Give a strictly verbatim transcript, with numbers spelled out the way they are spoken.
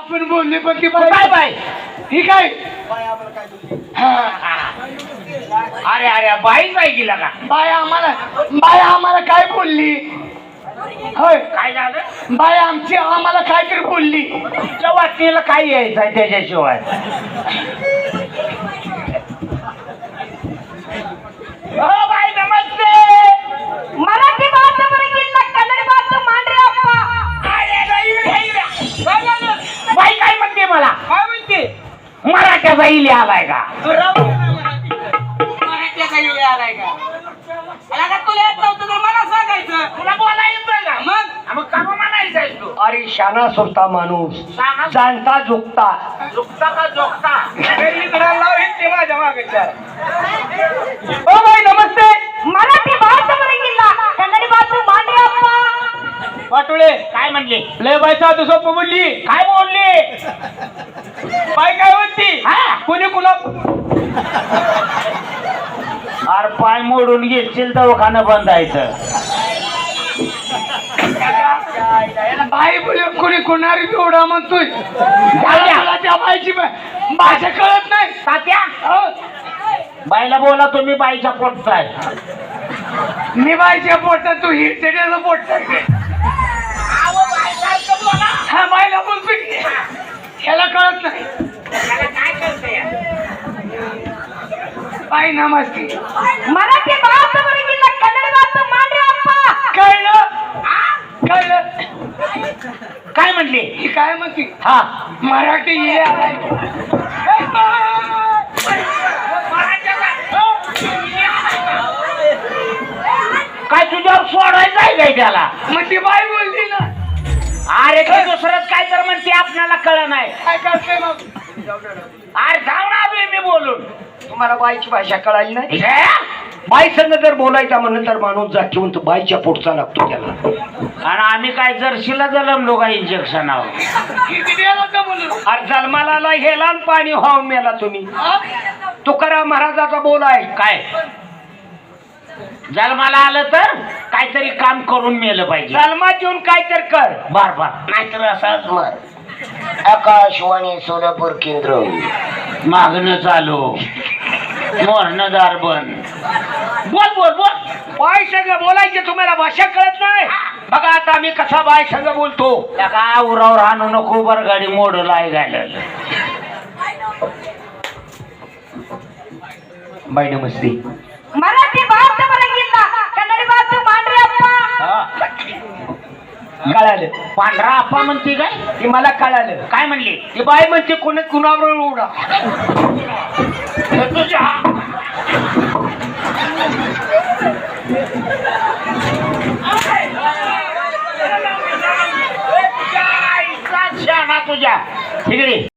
आपण बोलले पण ती काय बाई बाई ठीक आहे. अरे अरे बाई बाई गेला का बाय आम्हाला बाय आम्हाला काय बोलली होय काय झालं बाय आमची आम्हाला काहीतरी बोलली. तुझ्या वाटणीला काय यायचंय त्याच्याशिवाय हो बाई नमस्ते मराठी भाषा बरं कन्नड भाषा मांडरे अप्पा. अरे बाई, बाई, बाई. बाई काय म्हणते मला काय म्हणते मराठ्याचा इले आलाय का तुला बोला येतोय का मग मग का म्हणायचंय तू अरे शाना सुरता माणूस शाना? जाणता झुकता झुकता का झोकता ओ बाई नमस्ते. मराठी भाषा बरं कन्नड भाषा मांडरे अप्पा. वाटोळे काय म्हणले लय बाई साधू सोपं बोलली. काय बोलले बाई काय म्हणती हा कोणी कुणा अरे पाय मोडून घेशील दवाखाना बंदायचं बाई बोल कोणी कोणारी एवढा म्हणतोय झाल्या. मला त्या बाईची भा- भाषा कळत नाही. तात्या हो. बाईला बोला तुम्ही बाईच्या पोटचा आहे मी बाईच्या पोटात तू हिरचेड्याचं पोट टाकते. हा बाईला बोलतोय की. ह्याला कळत नाही. बाई नमस्ते. मराठी भाषा बरं कन्नड भाषा मांडरे अप्पा. कळलं कळलं काय म्हणले ही काय म्हणते हा मराठी हे आलाय. काय तुझ्यावर सोडायचं आहे काय त्याला मग ती बाई बोलली ना. अरे ते दुसरंच काय तर म्हणते आपल्याला कळ नाही काय करते मग अरे जाऊन आलोय मी बोलून तुम्हाला बाईची भाषा कळाली नाही. हे? बाई संग जर बोलायचा म्हणलं तर माणूस जातीवंत बाईच्या पोटचा लागतो त्याला. आणि आम्ही काय जर्शीला जलमलो का इंजेक्शन आहोत अरे जन्माला गेला आणि पाणी वाहून मेला तुम्ही. तुकाराम महाराजाचा बोल आहे काय जन्माला आलं तर काहीतरी काम करून मेलं पाहिजे जन्मात येऊन काय तर कर बार बार नाहीतर असाच मर. आकाशवाणी सोलापूर केंद्र मागणं चालू मोरणदार बन बोल बोल बोल बाई संग बोलायचे तुम्हाला भाषा कळत नाही. बघा आता मी कसा बाई संग बोलतो. का उरावर आणू नको बर गाडी मोड लाय घालायला बाई नमस्ते. मराठी भाषा बरं कन्नड भाषा मांडरे अप्पा. कळालं पांढरा आप्पा म्हणते काय ती मला कळालं. काय म्हणली ती बाई म्हणते कोणी कुणावर उडा तुझ्या तुझ्या तुझ्या तिकडे